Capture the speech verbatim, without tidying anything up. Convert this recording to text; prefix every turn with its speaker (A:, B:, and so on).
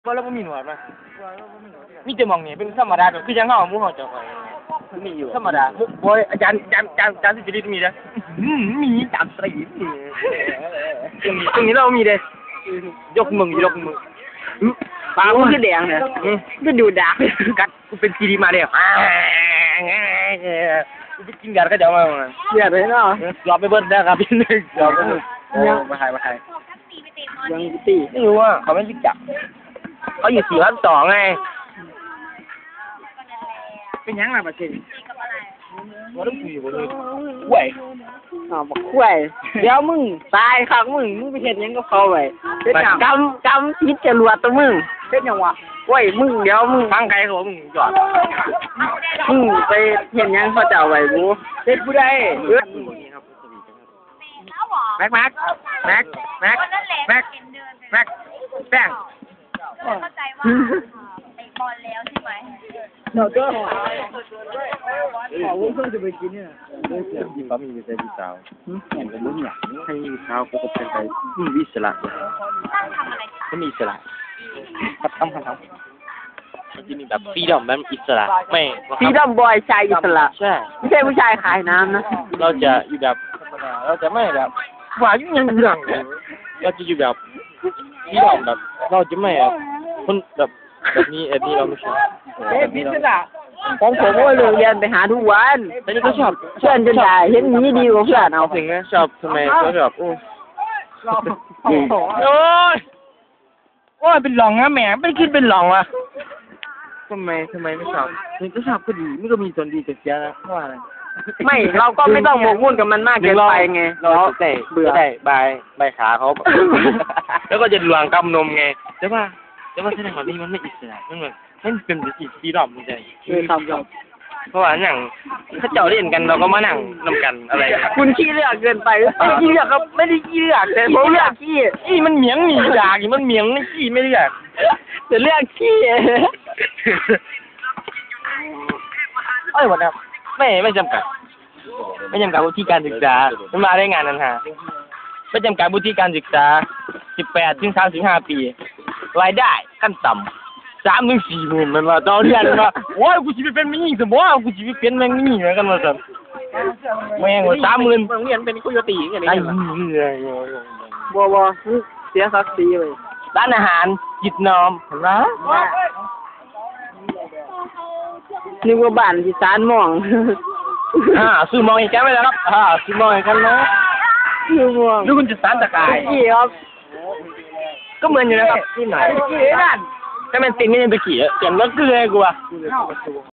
A: ก็แล้วก็มีหนวดมั้ยมีแต่มองนี่เป็นธรรมดาแบบคือยังเฮาหมู่เฮาจะคอยมีอยู่ธรรมดาบ่อาจารย์อาจารย์อาจารย์อาจารย์สิริมีเด้ออืมมีจามสิรินี่ตรงนี้เรามีเด้ยกมึงยกมึง
B: ปากมันคือแดงเนี่ยก็ดูดา
A: กัดกูเป็นซีดีมาเด้อกูไปกินยาก็จะมา
B: เสียเลยเนาะ
A: ยอมไปเบิดได้ครับพี่นึกยอมไปเบิดยังมาหายมาหาย
B: ยังตี
A: ไม่รู้ว่าเขาไม่รู้จักเขาอยู่สี่พันสองไง
B: เป็นยังไงประเทศ
A: ว่าต้องคุยกันเลยห่วย
B: อ๋อบักห่วยเดี๋ยวมึงตายครับมึงมึงไปเห็นยังก็เขาไว้เป็นอย่างกำกำพิษจรวดตัวมึงเป็นอย่างวะห่วยมึงเดี๋ยวมึง
A: ฟังใครเขามึงจอด
B: มึงไปเห็นยังเขาจะเอาไว้กู
A: เด็ดผู้ใดแม็กแม็กแม็กแม็กแม็กแม็กแป้ง
C: เข้าใจว่าไอ้บอลแล้วใช่ไหม
B: เดี๋ยวก็ขอวุ้นเพิ่งจะไปกินเนี่ย
A: ยิ่งป้ามีวิสัยที่สาวเห็นเป็นรุ่นใหญ่ให้สาวก็เป็นไปมีวิสระไม่มีอิสระพัดทำพัดทำมันจะมีแบบฟรีดอมแบบอิสระไม่
B: ฟรีดอมบอยชายอิสระ
A: ใช่
B: ไม่ใช่ผู้ชายขายน้ำนะ
A: เราจะอยู่แบบเราจะไม่แบบว่ายุ่งยังเรื่องเราจะอยู่แบบฟรีดอมแบบเราจะไม่แบบคนแบบแบบนี้แบบนี้เราไม่ชอบ
B: เอ๊ะพิศดาของผมก็เลิกเรียนไปหาทุกวัน
A: แต่นี่ก็ชอบ
B: เพื่อนจนได้เห็นนี้ดีกว่าเพื่อนเอา
A: สิ่งนี้ชอบทำไมก็แบบโอ้โอ้ยโอ้ยเป็นหลองนะแหมไม่คิดเป็นหลองวะทำไมทำไมไม่ชอบนี่ก็ชอบก็ดีไม่ก็มีส่วนดีแต่เสียนะเพราะอะไร
B: ไม่เราก็ไม่ต้องหมกมุ่นกับมันมากเกินไปไง
A: เราได้เบื่อได้ใบใบขาเขาแล้วก็จะหลวงกำนมไงแต่ว่าแต่ว่าแสดงว่านี่มันไม่อิสระมันเหมือนมันเป็นสีสีดำมันจะ
B: คือทำจบ
A: เพราะว่าอย่างถ้าเจ้าเล่นกันเราก็มานั่งนำกันอะไร
B: คุณขี้เลือกเกินไปไม่ได้ขี้เลือกครับไม่ได้ขี้เลือกแต่ผมเลือกขี้
A: ขี้มันเหมียงหนีจากมันเหมียงไม่ขี้ไม่เลือก
B: แต่เลือกขี้
A: เอ้ยวันนี้ไม่ไม่จำกัดไม่จำกัดวุฒิการศึกษาไม่มาได้งานนั้นฮะไม่จำกัดวุฒิการศึกษาสิบแปดถึงสามสิบห้าปีรายได้ขั้นต่ำสามถึงสี่หมื่นมันว่าต่อเดือนมันว่าโอ้ยกูจะไปเป็นไม่ยิ่งสมบูรณ์กูจะไปเป็นแมงนี่เหมือนกันมาสั่นแมงว่าสามหมื่น
B: โรงเรียนเป็นคุยตีอย่างนี้
A: ไอ้
B: บัวบัวเสียศักดิ์ศรีเลย
A: ร้านอาหารจิตนอมเห็นไหม
B: นึกว่าบ้านที่สานมอง
A: อ่าซื้อมองอีกแก้วไปแล้วครับอ่าซื้อมองอีกกันนะ
B: ซื้อมอง
A: ดูคุณจะสานตะกาย
B: กี่ครับ
A: ก็เหมือนอยู่นะครับที่ไหน
B: กี่นั่น
A: แต่มันติดไม่ได้ตะกี้เสียงรถเกลือกูอะ